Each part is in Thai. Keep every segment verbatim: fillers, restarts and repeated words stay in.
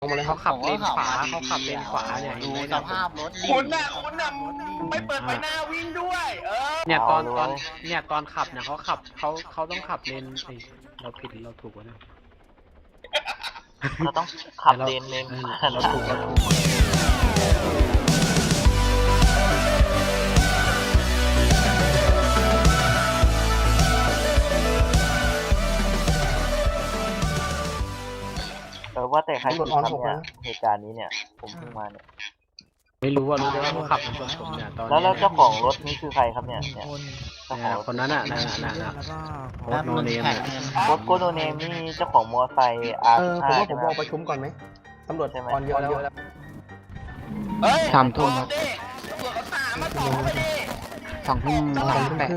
งมาเลยคเขารับขับเลนขวาเขาขับเลนขวาเนี่ยดูเห็นไหมสเนี่ยภาพรถดิคุณน่ะคุณน่ะไม่เปิดไฟหน้าวิ่งด้วย เออเนี่ยตอนตอนเนี่ยตอนขับเนี่ยเขาขับเขาเขาต้องขับเลนไอเราผิดหรือเราถูกวะเนี่ยเราต้องขับเลนเลนเออเราถูกเราถูกเออว่าแต่ใครตำรผิวดจออนครับหกเนี่แล้ยว เหตุการณ์นี้เนี่ยผมเพิ่งมาเนี่ยไม่รู้ว่ารู้แต่ว่าเขาขับชนผมเนี่ยตอนแล้วนี้แล้วเจ้าของรถนี่คือใครครับเนี่ยเนี่ยเจ้าขเนี่องยรถคนนั้นอ่ะนั่นน่ะนั่นน่ะโคแป๊ตบโนนึงเนมแท็กเนี่ยเงินรถโกโนเนมนี่เจ้าของมอเตอร์ไซค์ อาร์เออสิบผมห้าว่าผมใช่ไหมรอประชุมก่อนไหมตำรวจใช่ไหมออนเยอะแล้วเฮ้ยสามทุ่มครับดิตำรวจเขาตามมาต่อไปดิสองทุ่มสามแปด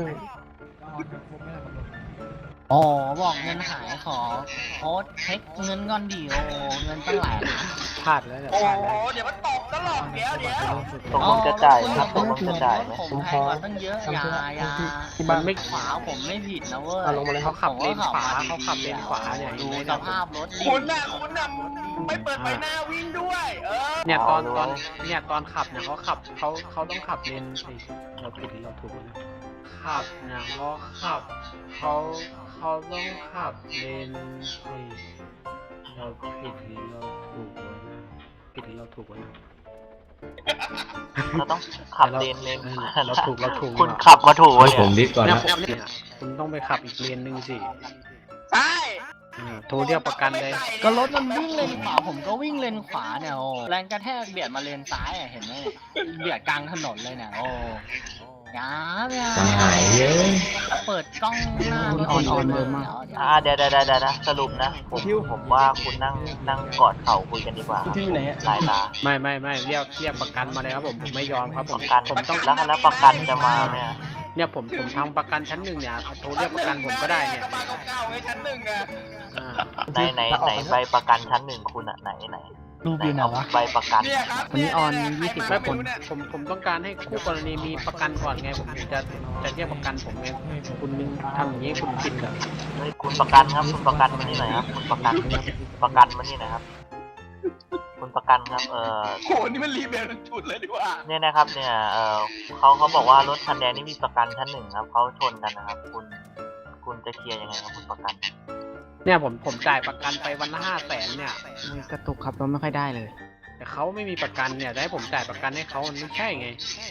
อ๋อบอกเงินหายขอโค้ดเช็คเงินก่อนดิโอเงินตั้งหลายพลาดแล้วเนี่ยโอ้พลาดโหแล้วเดี๋ยวมันตกตลอดเดี๋ยวเดี๋ยวตกลงจะจ่ายครับตกลงจะจ่ายไหมผมแพงกว่าตั้งเยอะอยาอยาที่มับ้าน นไม่ขวาผมไม่ผิดนะเว้ยอ่ะลงมาเลยคเขารับขับเลนขวาเขาขับเลนขวาเนี่ยดูเห็นไหมสเนี่ยภาพรถดิคุณน่ะคุณน่ะไม่เปิดไฟหน้าวิ่งด้วย เออเนี่ยตอนตอนเนี่ยตอนขับเนี่ยเขาขับเขาเขาต้องขับเลนไอเราผิดหรือเราถูกวะเนี่ยขับเนี่ยเขาขับเขาเขาต้องขับเลนไอเราผิดหรือเราถูกวะเนี่ยผิดหรือเราถูกวะเนี่ยเราต้องขับเลนเลนเออเราถูกเราถูกคุณขับมาถูกวะผเนี่ยมดิสก่อนเนี่ยนะผมเนี่ยคุณต้องไปขับอีกเลนหนึ่งสิใช่อืมโทรเรียกประกันเลยก็รถมันวิ่งเลนขวาผมก็วิ่งเลนขวาเนี่ยโอ้แรงกระแทกเบียดมาเลนซ้ายอ่ะเห็นไหมเนี่ยเบียดกลางถนนเลยเนี่ยโอ้ยาเนี่ยสังหายเยอะเปิดกล้องหน้ารถออนออนเยอะมากอ่าเดี๋ยวเดี๋ยวเดี๋ยวเดี๋ยวนะสรุปนะผมผมว่าคุณนั่งนั่งกอดเข่าคุยกันดีกว่าครับที่ไหนอะสายตาไม่ไม่ไม่เรียกเรียกประกันมาเลยครับผมผมไม่ยอมครับผปมระกันผมต้องแล้วแล้วประกันจะมาไหมอะเนี่ยผมผมทำประกันชั้นหนึ่งเนี่ยโทรเรียกประกันผมก็ได้เนี่ยกระบะเก่าๆไงชั้นหนึ่งอะอ่าไหนไหนไหนใบประกันชั้นหนึ่งคุณอะไหนไหนรูปอยู่ไหนเอาวะใบประกันเนี่ยครับวันนี้ออนเยยี่สิบใครไม่มาผมไรู้เนี่ยผมผมต้องการให้คู่กรณีมีประกันก่อนไงผมถึงจะจะเรียกประกันผมไงคุณทำอย่างนี้คุณผิดเหรอเฮ้ยคุณประกันครับคุณประกันมานี่หน่อยครับคุณประกันประกันมานี่หน่อยครับ คุณประกันครับเออโหนี่มันรีเบลทั้งจุดเลยดีกว่าเนี่ยนะครับเนี่ยเออเขาเขาบอกว่ารถคันแดงนี่มีประกันชั้นหนึ่งครับเขาชนกันนะครับ คุณคุณจะเคลียร์ยังไงครับคุณประกันเนี่ยผมผมจ่ายประกันไปวันละห้าแสนเนี่ยมันกระตุกครับเราไม่ค่อยได้เลยแต่เขาไม่มีประกันเนี่ยจะให้ผมจ่ายประกันให้เขามันไม่ใช่ไง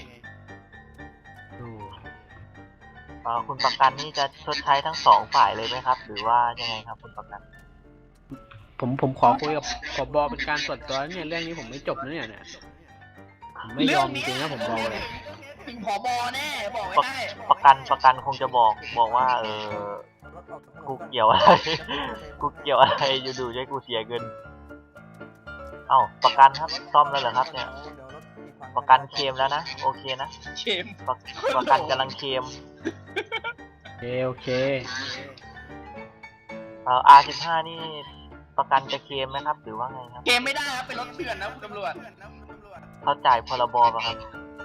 โอ้เออคุณประกันนี่จะชดใช้ทั้งสองฝ่ายเลยไหมครับ หรือว่ายังไงครับคุณประกันผมผมขอคุยกับผบเป็นการส่วนตัวเนี่ยเรื่องนี้ผมไม่จบนะเนี่ยเนี่ยผมไม่ยอมจริงๆนะผมบอกเลยถึงผบแน่บอกไว้ประให้ประกันประกันคงจะบอกบอกว่า เออกูเกี่ยวอะไร กูเกี่ยวอะไรอยู่ดูให้กูเสียเงิน เอ้าประกันครับซ่อมแล้วเหรอครับ เนี่ย ประกันเคลมแล้วนะโอเคนะเข็มประประกันกำลังเคลมโอเคโอเคเอ่อ อาร์ สิบห้า นี่ประกันจะเคลมไหมครับ หรือว่าไงครับเกมไม่ได้ครับเป็นรถเถื่อนนะคุณตำรวจเขาจ่ายพรบป่ะครับ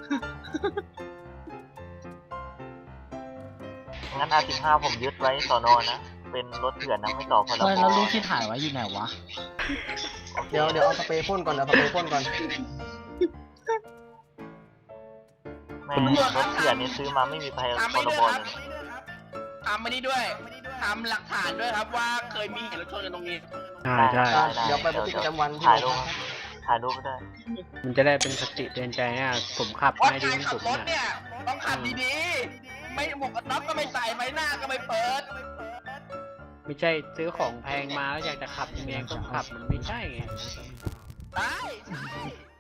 งั้น อาร์ สิบห้า ผมยึดไว้สอนอนะ เป็นรถเถื่อนนะไม่ต่อพรบเฮ้ยแล้วรูปที่ถ่ายไว้อยู่ไหนวะโอคเดี๋ยวเดี๋ยวเอาสเปรย์พ่นก่อนเอาสเปรย์พ่นก่อนแม่รถเถื่อนนี่ซื้อมาไม่มีพทำรไม่บด้วยเลครับยนะทำไม่ได้ด้วยทำหลักฐานด้วยครับว่าเคยมีเหตุรถชนกันตรงนี้ใช่ใช่ได้ได้เดี๋ยวไปบันทึกประจำวันที่ถ่ายโรรูงปพักถ่ายรูปไปด้วยมันจะได้เป็นสติเตือนใจอ่ะผมขับเพราะไม่ดีการที่ขัสุบดรถเนี่ยเนี่ยต้องขับดีๆ ไม่หมวกกันน็อกก็ไม่ใส่ไฟหน้าก็ไม่เปิดไม่ใช่ซื้อของแพงมาแล้วอยากจะขับยังไงก็ขับมันไม่ใช่ไงได้